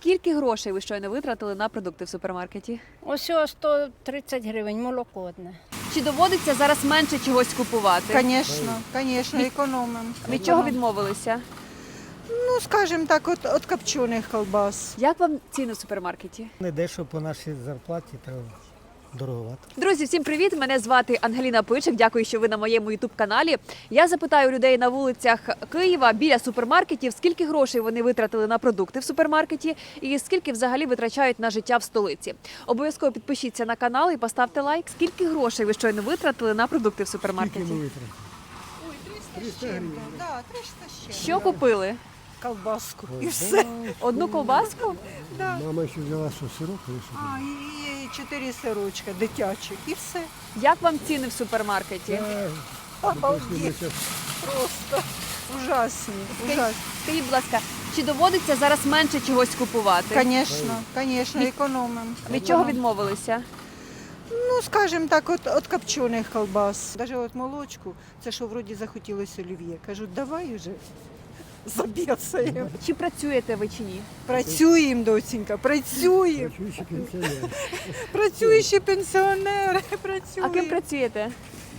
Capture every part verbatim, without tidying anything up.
Скільки грошей ви щойно витратили на продукти в супермаркеті? Ось сто тридцять гривень, молоко одне. Чи доводиться зараз менше чогось купувати? Звісно, звісно, економимо. Від чого відмовилися? Ну, скажімо так, от, от копчених колбас. Як вам ціни в супермаркеті? Не дешево по нашій зарплаті, то дороговато. Друзі, всім привіт! Мене звати Ангеліна Пичик. Дякую, що ви на моєму ютуб-каналі. Я запитаю людей на вулицях Києва біля супермаркетів, скільки грошей вони витратили на продукти в супермаркеті і скільки взагалі витрачають на життя в столиці. Обов'язково підпишіться на канал і поставте лайк. Скільки грошей ви щойно витратили на продукти в супермаркеті? триста гривень. Да, триста ще. Що купили? Колбаску. І все. Одну ковбаску? Мама ще взяла що, сироп чи що? А, і, і чотири сирочка дитячих. І все. Як вам ціни в супермаркеті? Обалдеть. Просто ужасні. ужасні. Скажіть, будь ласка, чи доводиться зараз менше чогось купувати? Звісно, звісно, економимо. Від чого відмовилися? Ну, скажімо так, от, от копчених колбас. Навіть от молочку, це що вроді захотілося олів'є. Кажуть, давай вже заб'єсаємо. Чи працюєте ви чи ні? Працюємо, доцінька, працюємо. Чуючи пенсіонер. Працюючі пенсіонери, А працюємо. ким працюєте?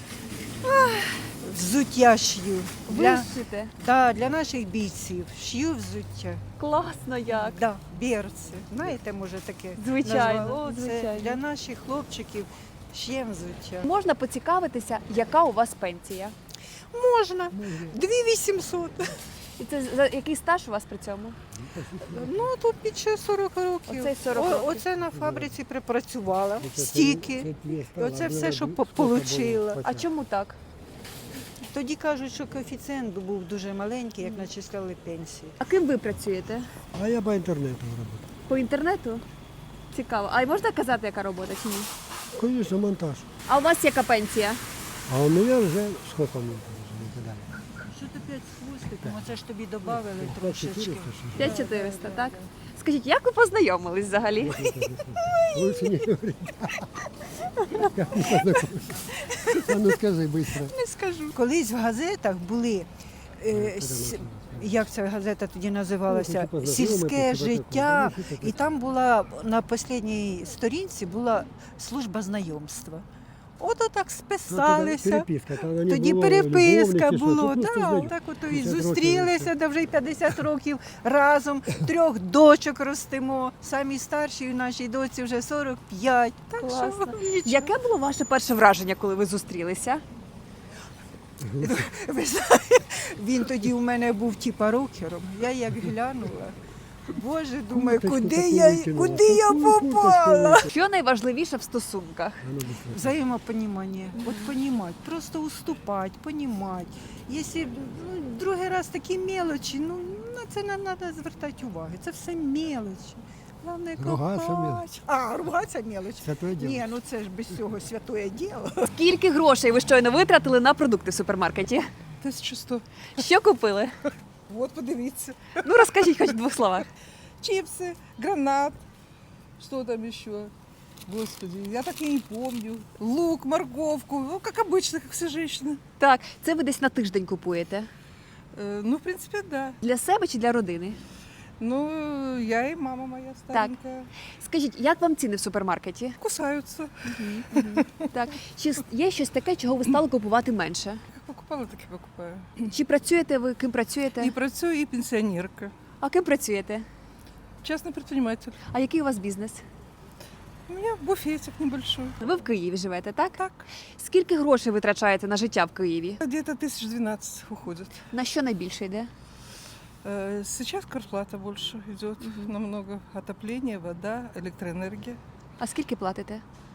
Взуття шью. Ви Для, шите. да, для наших бійців. Шью взуття. Класно як. Да, берці. Знаєте, може таке? Звичайно, назвали? Це звичайно. для наших хлопчиків шиємо взуття. Можна поцікавитися, яка у вас пенсія? Можна. дві вісімсот. І це за який стаж у вас при цьому? Ну, тут під ще сорок років. Оце сорок О- років. Оце на фабриці припрацювала. Стільки. І оце все, що по- получила. А чому так? Тоді кажуть, що коефіцієнт був дуже маленький, як начисляли пенсії. А ким ви працюєте? А я по інтернету працюю. По інтернету? Цікаво. А можна казати, яка робота чи ні? Звісно, монтаж. А у вас яка пенсія? А у мене вже скільки мені вже не Що ти п'ять з хвостиком? Оце ж тобі додали трошечки. чотириста. п'ять чотириста, так? Скажіть, як ви познайомились взагалі? Лучше не говори. Як не познайомився? А ну скажи швидко. Не скажу. Колись в газетах були, е, с- як ця газета тоді називалася, Ну, типу, сільське знайомитися, життя. таке, таке. І там була на останній сторінці була служба знайомства. От отак списалися. Переписка. Там не Тоді було переписка любовниці, було, що, просто да, знайомі. так ото і п'ятдесят років зустрілися, де вже й п'ятдесят років разом, трьох дочок ростимо. Самі старшій нашій доці вже сорок п'ять. Так що Класно. нічого. Яке було ваше перше враження, коли ви зустрілися? Ви знаєте, він тоді у мене був типа рокером. Я як глянула. Боже, думаю, Курточку куди таку я, викинула. куди я Таку курточку попала? Що найважливіше в стосунках? А ну, быстро. Взаємопонімання. От понімати, просто уступати, понімати. Якщо ну, другий раз такі мелочі, ну на це не треба звертати уваги. Це все мелочі. Головне Ругатися кохати. мелочі. А, ругатися мелочі. Святое діло. Ні, ну це ж без цього святое діло. Скільки грошей ви щойно витратили на продукти в супермаркеті? тисяча сто. Що купили? От подивіться. Ну розкажіть хоч в двох словах. Чипсы, гранат. Что там еще? Господи, я так и не помню. Лук, морковку. Ну, как обычно, как все женщины. Так, це ви десь на тиждень купуєте. Э, ну, в принципе, да. Для себе чи для родини? Ну, я и мама моя старенькая. Скажіть, як вам ціни в супермаркеті? Кусаются. Так, чи с- є щось таке, чого ви стали купувати менше? Как покупала, так и покупаю. Чи працюєте ви, ким працюєте? И працую, и пенсионерка. А ким працюєте? Частный предприниматель. А який у вас бізнес? У меня буфетик небольшой. Ви в Києві живете, так? Так. Скільки грошей витрачаєте на життя в Києві? Где-то тысяч двенадцать уходит. На що найбільше йде? Э, Сейчас квартплата больше идет. Намного. Отопление, вода, электроэнергия. А скільки платите?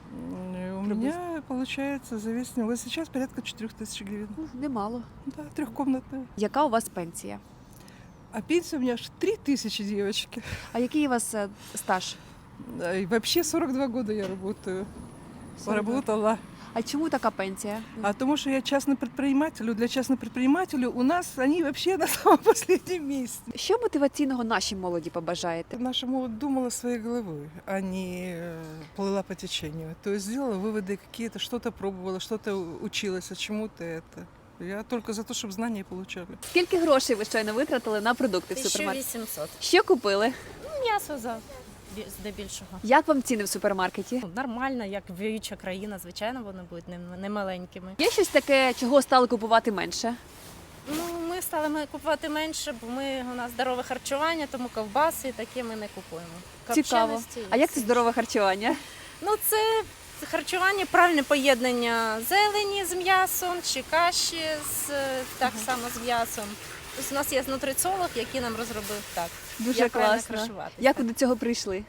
М, У меня получается за весь него сейчас порядка четырех тысяч гривен. Ну, немало. Да, трехкомнатная. Яка у вас пенсія? А пенсия у меня аж три тысячи, девочки. А який у вас е, стаж? Да, и вообще сорок два года я работаю. сорок два. Работала. А чому така пенсія? А тому что я частный предприниматель, для частных предпринимателей у нас они вообще на самом последнем месте. Що мотиваційного нашій молоді побажаєте? Наша молодь думала своей головой, а не э, плыла по течению. То есть сделала выводы какие-то, что-то пробовала, что-то училась, а чему-то это. Я только за то, чтобы знания получали. Скільки грошей ви щойно витратили на продукти в супермаркеті? вісімсот. Що купили? м'ясо за бі- здебільшого. Як вам ціни в супермаркеті? Ну, Нормально, як віюча країна, звичайно, вони будуть не, не маленькими. Є щось таке, чого стали купувати менше? Ну, ми стали ми купувати менше, бо ми у нас здорове харчування, тому ковбаси і таке ми не купуємо. Цікаво. Копченості і А як це все здорове харчування? Ну, це харчування, правильне поєднання зелені з м'ясом чи каші з, так само з м'ясом. Тобто у нас є нутриціолог, який нам розробив так. Дуже як правильно класно. харчуватися. Як ви до цього прийшли?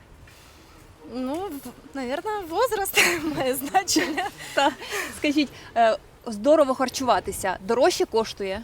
Ну, мабуть, возраст має значення. Та скажіть, е, здорово харчуватися дорожче коштує?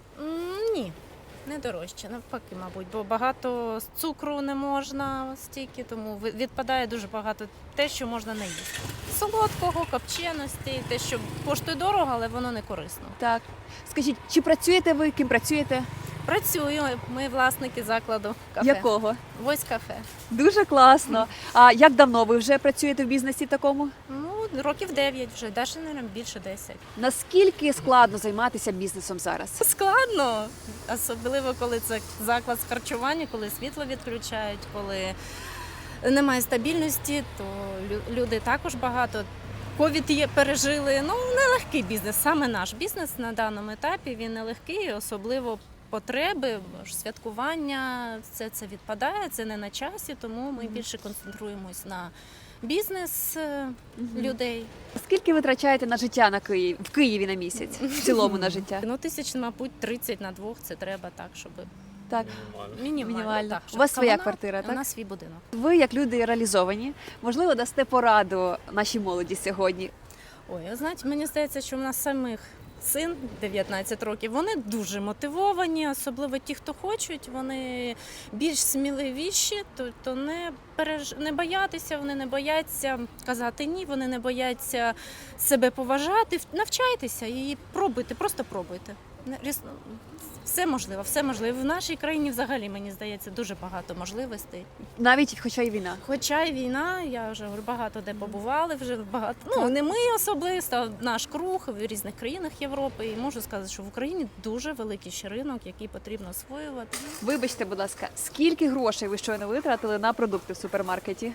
М, Ні, не дорожче, навпаки, мабуть, бо багато з цукру не можна стільки, тому ви- відпадає дуже багато те, що можна не їсти. Солодкого, копченості, те, що коштує дорого, але воно не корисно. Так. Скажіть, чи працюєте ви, ким працюєте? Працюю, ми власники закладу кафе. Якого? Вось кафе. Дуже класно. А як давно ви вже працюєте в бізнесі такому? Ну, років дев'ять вже, навіть, мабуть, більше десять. Наскільки складно займатися бізнесом зараз? Складно, особливо коли це заклад з харчування, коли світло відключають, коли немає стабільності, то лю- люди також багато. Ковід є, пережили. Ну, нелегкий бізнес. Саме наш бізнес на даному етапі він нелегкий, особливо потреби, ж святкування, все це відпадає, це не на часі, тому ми більше концентруємось на бізнес е, людей. Скільки ви витрачаєте на життя на Київ в Києві на місяць? В цілому на життя? Ну, тисяч, мабуть, тридцять на двох це треба так, щоб Так. мінімально. Мінімально. Так, У щоб вас своя комунал- квартира, У так? нас свій будинок. Ви, як люди реалізовані, можливо, дасте пораду нашій молоді сьогодні. Ой, а знаєте, мені здається, що в нас самих син дев'ятнадцять років, вони дуже мотивовані, особливо ті, хто хочуть, вони більш сміливіші, тобто не переж... не боятися, вони не бояться казати ні, вони не бояться себе поважати. Навчайтеся і пробуйте, просто пробуйте. Не- ріс- Все можливо, все можливо. В нашій країні взагалі, мені здається, дуже багато можливостей. Навіть хоча й війна. Хоча й війна, я вже говорю, багато де побували, вже багато. Ну не ми особисто, а наш круг в різних країнах Європи. І можу сказати, що в Україні дуже великий ще ринок, який потрібно освоювати. Вибачте, будь ласка, скільки грошей ви щойно витратили на продукти в супермаркеті?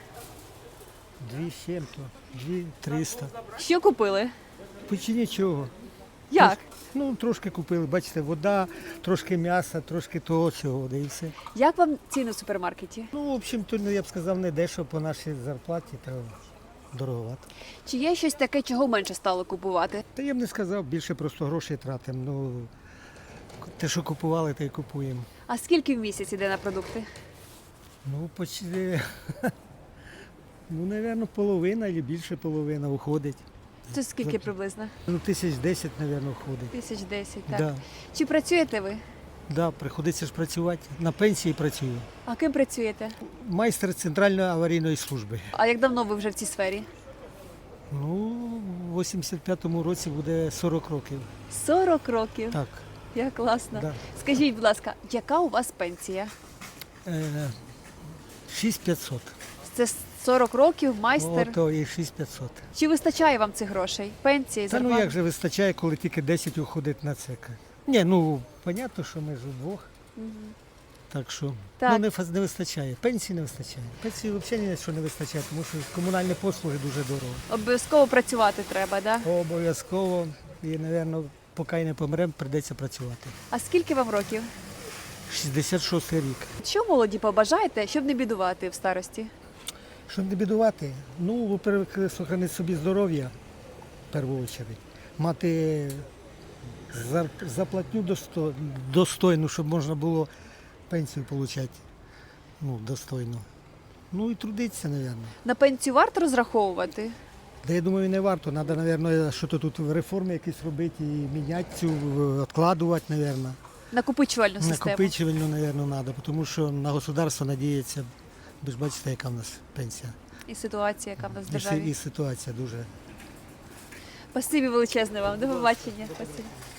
Дві з чим-то, дві триста. Що купили? Почти нічого. Як? Ну, трошки купили, бачите, вода, трошки м'яса, трошки того цього, да і все. Як вам ціни в супермаркеті? Ну, в общем-то, ну, я б сказав, не дешево по нашій зарплаті, та дороговато. Чи є щось таке, чого менше стало купувати? Та я б не сказав, більше просто грошей тратимо. Ну, те, що купували, те й купуємо. А скільки в місяць іде на продукти? Ну, почти, ну, напевно, половина або більше половина уходить. Це скільки приблизно? Ну, тисяч десять, напевно, входить. Тисяч десять, так. Да, Чи працюєте ви? да, приходиться ж працювати. На пенсії працюю. А ким працюєте? Майстер центральної аварійної служби. А як давно ви вже в цій сфері? Ну, в вісімдесят п'ятому році буде сорок років. сорок років. Так, Як класно. да. Скажіть, будь ласка, яка у вас пенсія? Е, шість п'ятсот. Це сорок років, майстер. Ото і шість п'ятсот. Чи вистачає вам цих грошей? Пенсії, Та ну зарплати? як же вистачає, коли тільки десять уходить на це? Ні, ну, понятно, що ми ж удвох. Так що Так. ну, не, фаз- не вистачає. Пенсії не вистачає. Пенсії взагалі ні, що не вистачає, тому що комунальні послуги дуже дорого. Обов'язково працювати треба, да? Обов'язково і, мабуть, поки й не помремо, прийдеться працювати. А скільки вам років? шістдесят шостий рік. Що молоді побажаєте, щоб не бідувати в старості? Щоб не бідувати, ну, во-первых, сохранити собі здоров'я, в першу чергу, мати зар- зарплатню досто- достойну, щоб можна було пенсію отримати ну, достойно. Ну і трудитися, мабуть. На пенсію варто розраховувати? Та я думаю, не варто. Треба, мабуть, щось тут реформи якісь робити і міняти цю, відкладувати, мабуть. Накопичувальну систему. Накопичувальну, мабуть, треба, тому що на государство надіється. Ви ж бачите, яка в нас пенсія. І ситуація, яка в нас в І, си- державі. і ситуація дуже. Спасибі величезне вам. До побачення. Спасибі.